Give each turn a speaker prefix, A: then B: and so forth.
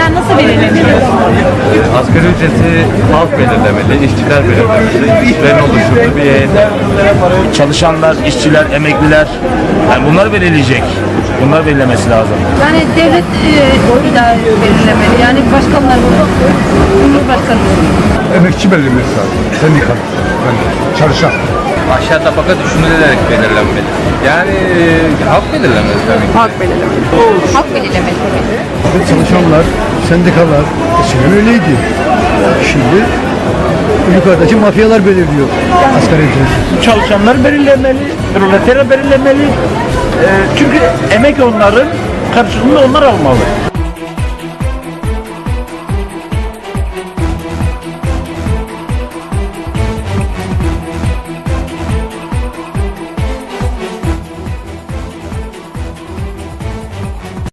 A: ücretler nasıl belirleniyor?
B: Asgari ücreti halk belirlemeli, işçiler belirlemeli, işçilerin oluşturduğu bir heyet.
C: Çalışanlar, işçiler, emekliler, yani bunlar belirleyecek. Bunlar belirlemesi lazım.
A: Yani devlet belirlemeli. Yani başkanlar, Cumhurbaşkanı.
D: Emekçi belirlemesi lazım. Sendikal. Yani çalışan.
B: Aşağı tabaka düşünülerek belirlenmeli. Yani halk belirlemeli tabii ki.
A: Halk belirlemeli. Halk belirlemeli tabii.
D: Çalışanlar, sendikalar eskiden öyleydi. Şimdi yukarıdaki mafyalar belirliyor asgari ücreti.
E: Çalışanlar belirlemeli, proletarya belirlemeli. Çünkü emek onların, karşılığında onlar almalı.